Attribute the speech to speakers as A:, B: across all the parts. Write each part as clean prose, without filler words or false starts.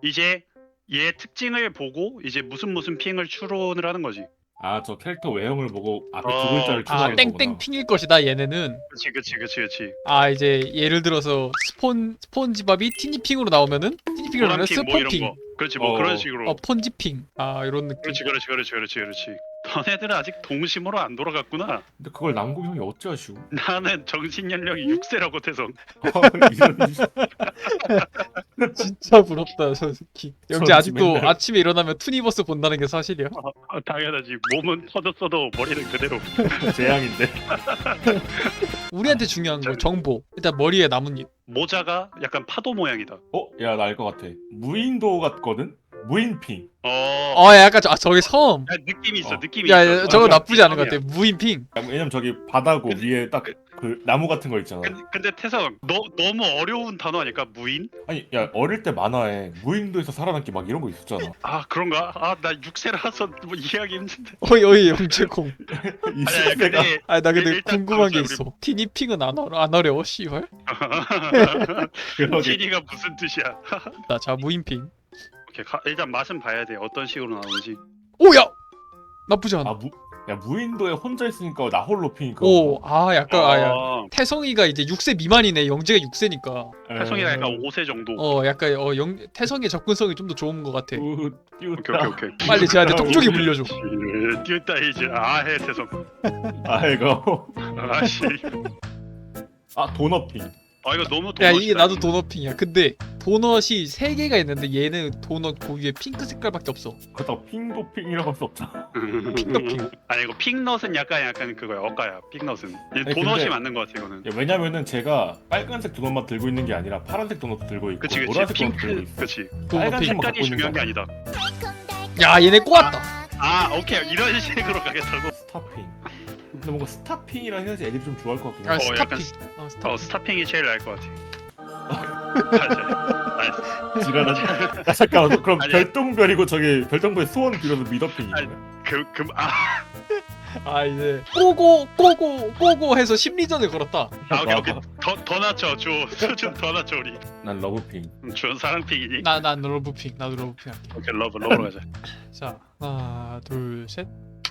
A: 이제 얘 특징을 보고 이제 무슨 핑을 추론을 하는 거지.
B: 아, 저 캐릭터 외형을 보고 앞에
A: 어,
B: 두 글자를
A: 아,
B: 추론하는 거구나.
C: 땡땡 핑일 것이다 얘네는.
A: 그치.
C: 아 이제 예를 들어서 스폰지밥이 티니핑으로 나오면은 티니핑으로 나오면
A: 노란핑 뭐 이런
C: 스폰핑.
A: 거. 그렇지 뭐 그런 식으로.
C: 폰지핑. 아 이런 느낌.
A: 그렇지. 너네들은 아직 동심으로 안 돌아갔구나.
B: 근데 그걸 남궁 형이 어찌하시고?
A: 나는 정신 연령이 6세라고 태성.
B: 이런
C: 진짜 부럽다 저 새끼. 영재
B: 저
C: 아직도
B: 맨날-
C: 아침에 일어나면 투니버스 본다는 게 사실이야?
A: 당연하지. 몸은 터졌어도 머리는 그대로.
B: 재앙인데.
C: 우리한테 중요한 거 정보. 일단 머리에 나뭇잎.
A: 모자가 약간 파도 모양이다.
B: 야, 나 알 것 같아. 무인도 같거든? 무인핑.
C: 약간 저기 섬.
A: 야, 느낌이 있어.
B: 어.
A: 느낌이
C: 야,
A: 있어.
C: 저거
A: 어,
C: 나쁘지 않은 것
A: 섬이야.
C: 같아. 무인핑.
B: 왜냐면 저기 바다고 위에 딱 그 나무 같은 거 있잖아.
A: 근데 태성, 너무 어려운 단어 아닐까? 무인?
B: 아니, 야, 어릴 때 만화에 무인도에서 살아남기 막 이런 거 있었잖아.
A: 아 그런가? 아 나 6세라서 뭐 이해하기 힘든데.
C: 어이 영재콩.
B: 이
A: 아니
B: 시대가
A: 근데
C: 아 나 근데
A: 일단
C: 궁금한 게
A: 그러자,
C: 있어. 티니핑은 안 어려워 씨발.
B: 그러게.
A: 티니가 무슨 뜻이야?
C: 자 무인핑.
A: 오케이 일단 맛은 봐야 돼. 어떤 식으로 나오는지.
C: 오야 나쁘지 않아.
B: 야, 무인도에 혼자 있으니까 나 홀로 핑이 그거.
C: 오아 약간 아야.
A: 어,
C: 태성이가 이제 6세 미만이네. 영재가 6세니까.
A: 태성이가 약간 5세 정도.
C: 약간 태성의 접근성이 좀 더 좋은 것 같아.
A: 오케이.
C: 빨리 쟤한테 톡쪽이 물려줘.
A: 띄었다 이제 아해 태성.
B: 아이고.
A: 아씨.
B: 아, 도넛핑.
A: 아 이거 너무
C: 야
A: 도넛이다.
C: 이게 나도 도넛핑이야. 근데 도넛이 3개가 있는데 얘는 도넛 그 위에 핑크 색깔밖에 없어.
B: 그렇다고 핑도핑이라고 할 수 없잖아.
C: 핑더핑.
A: 아니 이거 픽넛은 약간 그거야. 억가야. 픽넛은.
B: 아니,
A: 도넛이
B: 근데-
A: 맞는 것 같아 이거는.
B: 야, 왜냐면은 제가 빨간색 도넛만 들고 있는 게 아니라 파란색 도넛도 들고 있고
A: 그치
B: 노란색 도넛도 들고
A: 핑크
B: 있어.
A: 그치.
C: 도넛핑.
B: 빨간색만 갖고
A: 색깔이
B: 있는
A: 중요한 게
B: 거
A: 아니다.
C: 야 얘네 꼬았다.
A: 아 오케이 이런 식으로 가겠다고.
B: 스타핑. 근데 뭔가 스타핑이라 해야지 애들이 좀 좋아할 것 같긴 해.
C: 아
A: 약간
C: 스타핑. 스타핑.
A: 스타핑이 제일 나을 것 같아. 맞아.
B: 지랄하지. 야, 잠깐만. 그럼
A: 아니야.
B: 별똥별이고 저기 별똥별 소원 빌어서 미더핑이네.
C: 아 이제 꼬고 해서 심리전을 걸었다.
A: 오케이. 더 낮춰 줘. 수준 더 낮춰 우리.
B: 난 러브핑.
A: 준 사랑핑이니?
C: 난 러브핑. 나도 러브핑 할게.
A: 오케이 러브로 가자.
C: 자 하나 둘 셋.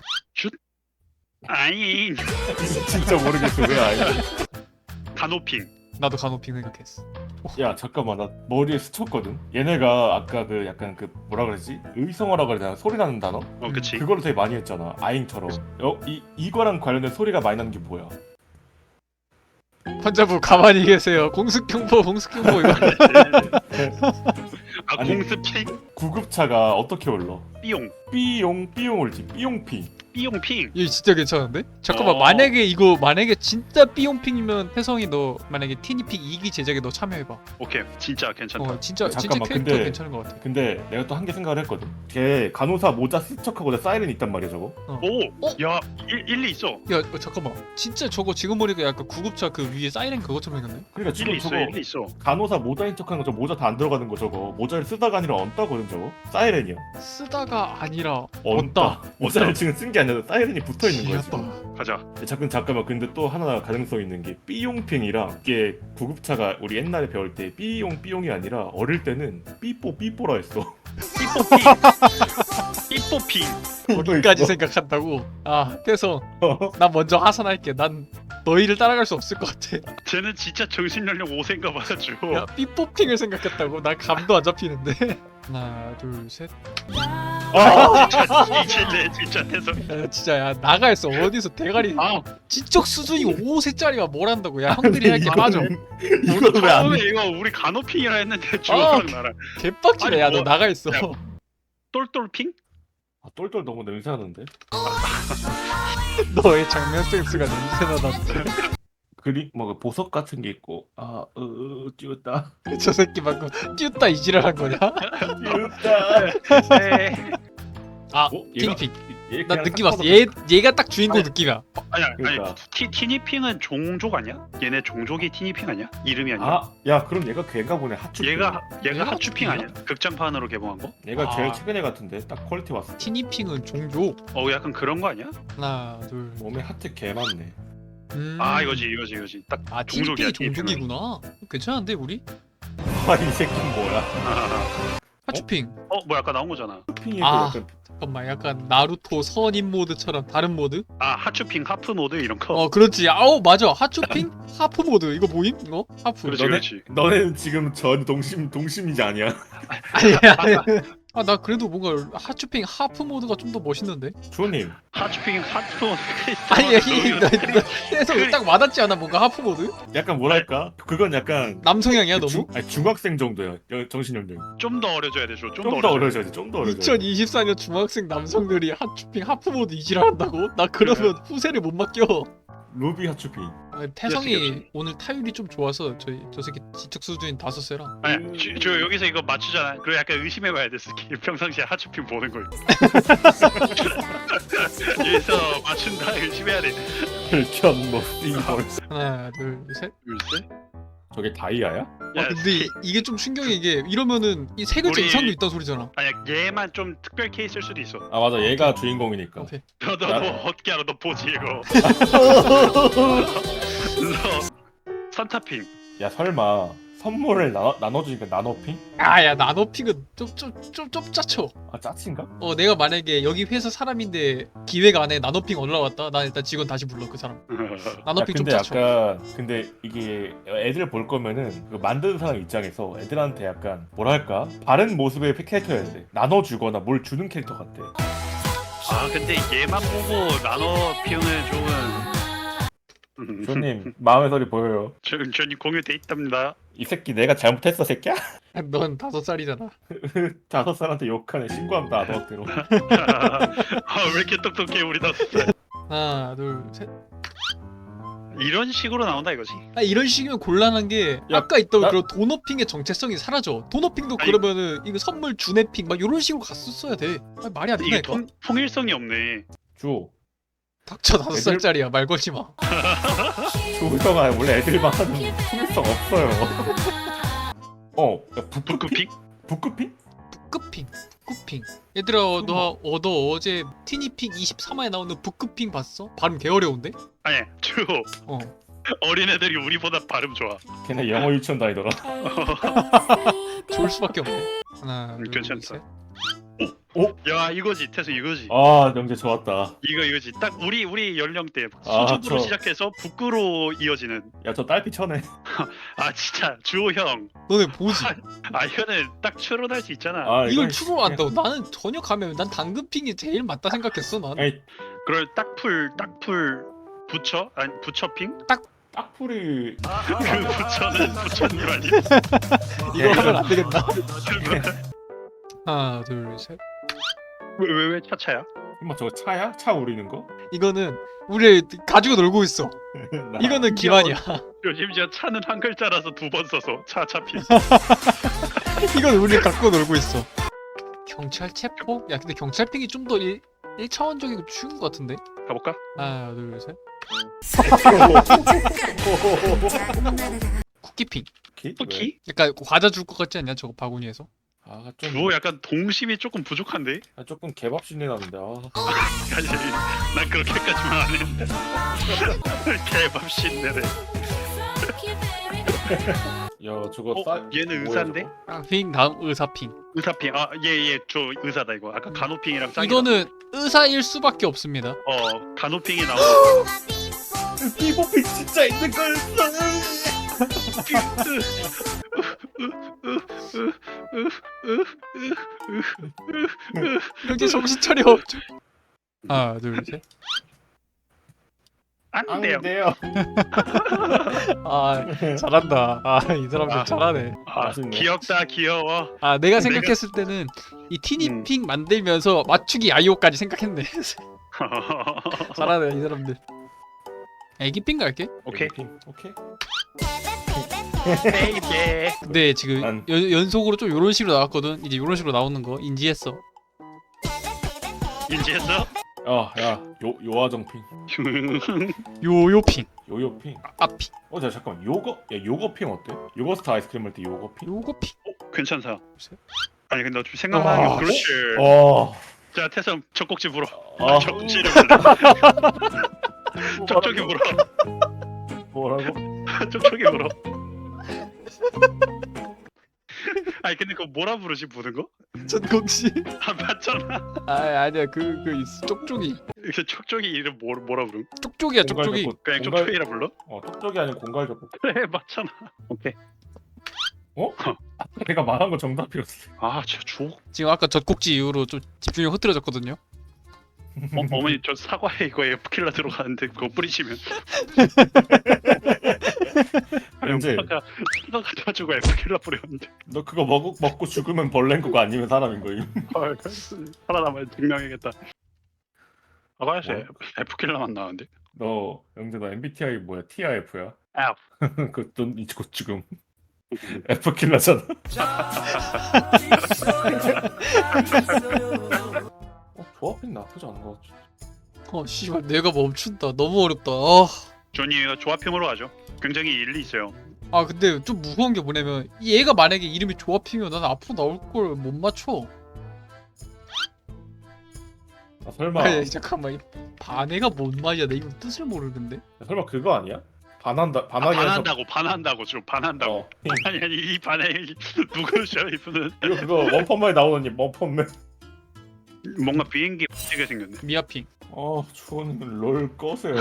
A: 아잉.
B: 진짜 모르겠어 왜 아니.
A: 간호핑.
C: 나도 간호핑 생각했어.
B: 야 잠깐만 나 머리에 스쳤거든. 얘네가 아까 그 약간 그 뭐라 그러지? 의성어라 그래야 되나? 소리 나는 단어?
A: 그치.
B: 그거를 되게 많이 했잖아. 아잉처럼. 이거랑 관련된 소리가 많이 나는 게 뭐야?
C: 환자분 가만히 계세요. 공습경보 이거.
B: 아니,
A: 공스핑.
B: 구급차가 어떻게 올러?
A: 삐용.
B: 삐용 올지. 삐용핑.
A: 삐용핑.
C: 이거 진짜 괜찮은데? 잠깐만 만약에 진짜 삐용핑이면 혜성이 너 만약에 티니핑 2기 제작에 너 참여해봐.
A: 오케이 진짜 괜찮다.
C: 진짜
B: 잠깐만,
C: 캐릭터
B: 근데-
C: 괜찮은 것 같아.
B: 근데 내가 또 한 개 생각을 했거든. 걔 간호사 모자 스척하고 내 사이렌 있단 말이야 저거.
A: 오. 야 일리 있어.
C: 야 잠깐만 진짜 저거 지금 보니까 약간 구급차 그 위에 사이렌 그것처럼 생겼네?
B: 그러니까 지금
A: 일리 있어.
B: 저거
A: 일리 있어.
B: 간호사 모자인 척하는 거 저 모자 다 안 들어가는 거 저거 모자를 쓰다가 아니라 얹다거든 저거. 사이렌이야.
C: 쓰다가 아니라
B: 얹다. 모자를 지금 쓴 게 아니라 사이렌이 붙어 있는 거야 지금.
C: 귀엽다.
A: 가자.
B: 잠깐만 근데 또 하나 가능성 있는 게 삐용핑이랑 이게 구급차가 우리 옛날에 배울 때 삐용이 아니라 어릴 때는 삐뽀라 했어.
A: 삐뽀핑.
C: 거기까지 생각한다고? 아 태성 난 먼저 하산할게. 난 너희를 따라갈 수 없을 것 같아.
A: 쟤는 진짜 정신연령 5세인가 봐가지고.
C: 야 삐뽀핑을 생각했다고? 난 감도 안 잡히는데. 하나 둘 셋.
A: 진짜 이질래 진짜 해서.
C: 야, 진짜 야 나가 있어. 어디서 대가리 지적 수준이 5세짜리가 뭘 한다고. 야 형들이 할 게 빠져.
B: 이거 왜안
A: 처음에 이거 우리 간호핑이라 했는데
C: 아,
A: 주호랑 나랑
C: 개빡치네.
A: 아니,
C: 야 너
A: 뭐-
C: 나가 있어.
A: 야, 똘똘핑?
B: 똘똘 너무 냄새나는데?
C: 너의 장면 센스가 냄새나다.
B: 그리 뭐 보석 같은 게 있고 띄웠다
C: 저 새끼 방금 띄웠다 이지랄한 거냐?
B: 띄웠다.
A: 네.
C: 아
B: 얘가-
C: 티니핑.
B: 얘
C: 나
B: 그냥
C: 느낌
B: 딱
C: 왔어.
B: 봐도-
C: 얘가 딱 주인공
B: 아니,
C: 느낌이야.
A: 아니야
B: 그러니까.
A: 아니 티니핑은 종족 아니야? 얘네 종족이 티니핑 아니야? 이름이 아니야?
B: 야 그럼 얘가 걔인가 보네. 하추.
A: 얘가
C: 얘가
A: 하추핑
C: 하추핑이야?
A: 아니야? 극장판으로 개봉한 거?
B: 얘가
C: 아.
B: 제일 최근에 같은데 딱 퀄리티 왔어.
C: 티니핑은 종족.
A: 약간 그런 거 아니야?
C: 하나 둘.
B: 몸에 하트 개 많네.
A: 아 이거지 딱
C: 아
A: 종족이야,
C: 티니핑이 종족이구나. 괜찮은데 우리?
B: 아이 새끼 뭐야?
C: 하츄핑.
A: 뭐야 아까 나온 거잖아.
B: 핑에서
C: 아.
B: 약간
C: 잠깐만 약간 나루토 선임 모드처럼 다른 모드?
A: 아 하츄핑 하프 모드 이런 거.
C: 그렇지. 아우 맞아. 하츄핑 하프 모드 이거 뭐임? 이거 하프.
A: 그렇지
B: 너네-
A: 그렇지.
B: 너네는 지금 전 동심이지 아니야?
C: 아니야. 나 그래도 뭔가 하츄핑 하프 모드가 좀 더 멋있는데.
B: 주호님
A: 하츄핑 하프 모드.
C: 아니 그래서 딱 와닿지 않아 뭔가 하프 모드?
B: 약간 뭐랄까? 그건 약간
C: 남성향이야 너무?
B: 중학생 정도야 정신 연령이.
A: 좀더 어려져야 돼. 좀
B: 좀 더 어려져야지. 좀 더 어려져.
C: 2024년 중학생 남성들이 하츄핑 하프 모드 이질한다고? 나 그러면 후세를 못 맡겨.
B: 루비 하츄핑.
C: 태성이
A: 그렇지.
C: 오늘 타율이 좀 좋아서 저 새끼 지적 수준인 5세라.
A: 아니 저 여기서 이거 맞추잖아. 그래 약간 의심해봐야 돼. 스킬 평상시에 하츄핑 보는 걸. 여기서 맞춘다 의심해야 돼.
B: 혈견 이걸.
C: 하나 둘 셋.
A: 글쎄.
B: 저게 다이아야?
A: 야,
C: 근데
A: 스킬-
C: 이게 좀 충격인 게 이러면은 이 세 글자
A: 우리-
C: 이상도 있다는 소리잖아.
A: 아니야 얘만 좀 특별 케이스일 수도 있어.
B: 아 맞아 얘가 주인공이니까.
C: 오케이.
A: 너 어떻게 알아? 너 보지 이거. 너 산타핑.
B: 야 설마 선물을 나눠주니까 나노핑?
C: 아야 나노핑은 좀 짜쳐.
B: 아 짜친가?
C: 내가 만약에 여기 회사 사람인데 기획 안에 나노핑 올라왔다. 난 일단 직원 다시 불러 그 사람. 나노핑 좀
B: 근데
C: 짜쳐.
B: 약간 근데 이게 애들 볼 거면은 그 만드는 사람 입장에서 애들한테 약간 뭐랄까 다른 모습의 캐릭터여야 돼. 나눠주거나 뭘 주는 캐릭터 같아.
A: 아 근데 얘만 보고 나노핑을 좋은.
B: 주님 마음의 소리 보여요.
A: 전이 공유돼 있답니다.
B: 이 새끼 내가 잘못했어 새끼야?
C: 넌 5살이잖아.
B: 5살한테 욕하네. 신고한다 아동학대로.
A: 왜 이렇게 똑똑해 우리 5살.
C: 하나 둘 셋.
A: 이런 식으로 나온다 이거지.
C: 이런 식이면 곤란한 게
B: 야,
C: 아까 있던
B: 나-
C: 그런 도너핑의 정체성이 사라져. 도너핑도
A: 아니,
C: 그러면은 이거 선물 주네핑 막 이런 식으로 갔었어야 돼. 말이 안
A: 이게
C: 된다니까.
A: 통일성이 없네.
B: 주
C: 닥쳐 5살짜리야 말 걸지 마.
B: 조형아 원래 애들만 하는 통일성 없어요. 야,
A: 북극핑?
B: 북극핑?
C: 북극핑. 북극핑. 얘들아 너 어제 티니핑 23화에 나오는 북극핑 봤어? 발음 개 어려운데?
A: 아니 주
C: 어.
A: 어린애들이 우리보다 발음 좋아.
B: 걔네 영어 유치원 다니더라.
C: 좋을 수밖에 없네. 하나 둘
A: 괜찮다.
C: 셋.
A: 야 이거지 태수 이거지.
B: 아 영재 좋았다.
A: 이거지. 딱 우리 연령대
B: 아,
A: 수줍으로
B: 저-
A: 시작해서 북구로 이어지는.
B: 야 저 딸피 쳐내.
A: 아 진짜 주호 형.
C: 너네 보지?
A: 아 이거는 딱 추론할 수 있잖아.
B: 아
C: 이걸
B: 이건
C: 추로 한다고? 나는 전혀 가면 난 당근핑이 제일 맞다 생각했어 난.
B: 아니
A: 그걸 딱풀 부처? 아니 부처핑?
B: 딱풀이
A: 그 부처는 부처님 아니.
C: 이거 하면 안 되겠다. 하나 둘 셋.
A: 왜 차차야?
B: 엄마 저거 차야? 차 우리는 거?
C: 이거는 우리 가지고 놀고 있어. 이거는 기만이야.
A: 심지어 차는 한 글자라서 2번 써서 차차핑.
C: 이건 우리 갖고 놀고 있어. 경찰 체포? 야 근데 경찰핑이 좀 더 1차원적이고 쉬운 것 같은데?
A: 가볼까?
C: 하나 둘 셋. 쿠키핑.
A: 쿠키?
C: 약간 과자 줄 것 같지 않냐 저거 바구니에서?
B: 아좀
A: 주호 약간 동심이 조금 부족한데?
B: 조금 개밥 신내 나는데.
A: 아니 난 그렇게까지만 안 했는데. 개밥 신내래.
B: 야 저거
A: 얘는
B: 뭐야,
A: 의사인데?
B: 저거?
C: 핑 다음 의사핑.
A: 의사핑. 얘 의사다 이거. 아까 간호핑이랑 짱이다.
C: 이거는 의사일 수밖에 없습니다.
A: 간호핑이 나오고.
B: 삐뽀핑 진짜 있는 거였어.
C: 여기 정신 차려. 하나 둘 셋.
A: 안 돼요.
B: 돼요.
C: 아 잘한다. 이 사람들
A: 아.
C: 잘하네.
B: 맛있네.
A: 귀엽다 귀여워.
C: 내가 생각했을 때는 이 티니핑 만들면서 맞추기 아이오까지 생각했네. 잘하네 이 사람들. 애기핑 갈게.
A: 오케이.
B: 오케이.
A: 베이베.
C: 근데 지금
B: 난-
C: 연속으로 좀 이런 식으로 나왔거든. 이제 이런 식으로 나오는 거 인지했어.
A: 인지했어?
B: 야 요아정핑.
C: 요요핑.
B: 요요핑.
C: 아핑.
B: 자 잠깐만 요거핑 어때? 요거스트 아이스크림 할 때 요거핑?
C: 요거핑.
A: 괜찮다. 아니 근데 어차피 생각나는 게 그렇지. 자 태성 젖꼭지 물어.
B: 아.
A: 젖꼭지를 물어. 쪽쪽이 물어.
B: 뭐라고?
A: 쪽쪽이 물어. 아니 근데 그거 뭐라 부르지 부는 거?
C: 전국시.
A: 아 맞잖아.
C: 아니야 그 있어. 쪽쪽이.
A: 이게 촉촉이 이름 뭐라 부름?
C: 쪽쪽이야 쪽쪽이.
A: 그냥 촉촉이라 불러?
B: 쪽쪽이 아니고 공갈적고.
A: 그래 맞잖아. 오케이.
B: 내가 말한 거 정답이었어.
A: 아 진짜 주옥.
C: 지금 아까 젖꼭지 이후로 좀 집중이 흐트러졌거든요.
A: 어머니 저 사과에 이거 에프킬라 들어가는데 그거 뿌리시면.
B: 현재
A: 사과 가지고 에프킬라 뿌렸는데.
B: 너 그거 먹고 죽으면 벌레인 거고 아니면 사람인 거임.
A: 헐, 살아남아야 증명해야겠다. 아가씨
B: 뭐?
A: 에프킬라만 나왔는데.
B: 너 영재 너 MBTI 뭐야? TIF야?
A: F.
B: 그돈 이거 지금 F킬러잖아. 조합이 나쁘지 않은 것 같아.
C: 씨발 내가 멈춘다. 너무 어렵다.
A: 조니가 조합형으로 하죠. 굉장히 일리 있어요.
C: 근데 좀 무서운 게 뭐냐면 얘가 만약에 이름이 조합이면 난 앞으로 나올 걸 못 맞춰.
B: 설마
C: 아니 잠깐만 반해가 뭔 말이야? 나 이거 뜻을 모르는데.
B: 설마 그거 아니야? 반하기
A: 반한다고 좀 반한다고. 아니 이 반에 누구셔 이분은?
B: 그거 원펀맨에 나오는 원펀맨.
A: 뭔가 비행기 멋지게 생겼네.
C: 미아핑.
B: 주원님 롤 꺼세요.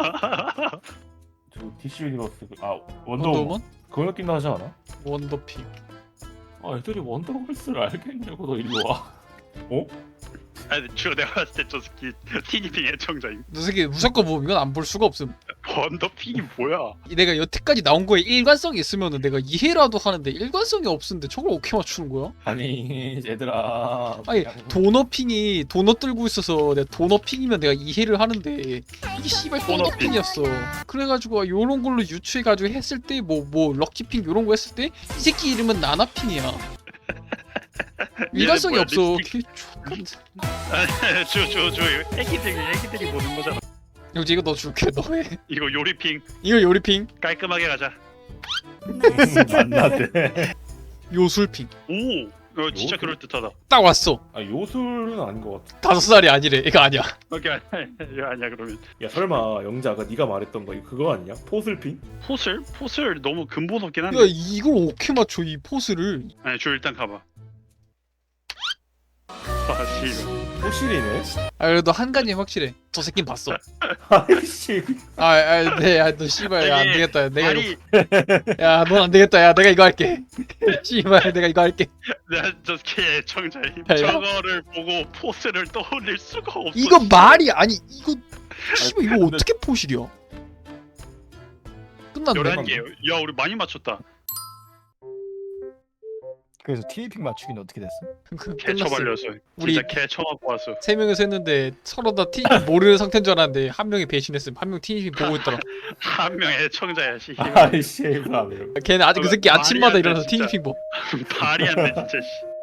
B: 저 DC 유니버스 원더우먼
C: 원더우먼?
B: 그거 느낌 나지 않아?
C: 원더핑.
B: 애들이 원더걸스를 알겠냐고. 너 일로 와.
A: 아니 주로 내가 봤을 때 저 새끼 티니핑 애청자임.
C: 너 새끼 무조건 보면 이건 안 볼 수가 없음.
A: 원더핑이 뭐야?
C: 내가 여태까지 나온 거에 일관성이 있으면은 내가 이해라도 하는데 일관성이 없는데 저걸 어떻게 맞추는 거야?
B: 아니 얘들아.
C: 아니 도너핑이 도넛 들고 있어서 내가 도너핑이면 내가 이해를 하는데 이게 씨발 도너핑이었어. 그래가지고 요런 걸로 유추해가지고 했을 때 뭐 럭키핑 요런 거 했을 때 이 새끼 이름은 나나핑이야. 일관성이
A: 뭐야,
C: 없어.
A: 립스틱? 저 애기들이 보는 거잖아.
C: 영지 이거 너 줄게. 너 해.
A: 이거 요리핑
C: 이거 요리핑.
A: 깔끔하게 가자.
B: 만나대.
C: 요술핑.
A: 오, 진짜
B: 요술?
A: 그럴 듯하다.
C: 딱 왔어.
B: 요술은 아닌 것 같아.
C: 5살이 아니래. 이거 아니야.
A: 오케이 아니야 그러면.
B: 야 설마 영자가 네가 말했던 거 그거 아니야? 포슬핑?
A: 포슬 너무 근본 없긴
C: 야
A: 한데.
C: 이걸 어떻게 맞춰 이 포스를?
A: 아니 저 일단 가봐. 씨.
B: 포실이네?
C: 그래도 한 가지 확실해. 저 새끼는 봤어.
B: 아이씨.
C: 너 씨발 야, 안
A: 아니,
C: 되겠다. 내가
A: 아니
C: 야, 넌 안 되겠다. 야, 내가 이거 할게. 씨발, 내가 이거 할게.
A: 내가 저 새끼 애청자임.
C: 야,
A: 저거를 보고 포스를 떠올릴 수가 없어.
C: 이거 말이 아니 이거 씨발 이거 어떻게 포실이야? 끝났네.
A: 11개. 야 우리 많이 맞췄다.
D: 그래서 티니핑 맞추기는 어떻게 됐어?
A: 개처
C: 끝났어.
A: 발렸어.
C: 우리-
A: 진짜 개처 맞고 왔어.
C: 3명이서 했는데 서로 다 티니핑 모르는 상태인 줄 알았는데 한 명이 배신했음. 한 명 티니핑 보고 있더라.
A: 한 명 애청자야 씨.
B: 아이씨. 이거
C: 걔는 아직 그 새끼
A: 말이
C: 아침마다
A: 안 돼,
C: 일어나서
A: 진짜.
C: 티니핑 보.
A: 말이 안 돼 진짜 씨.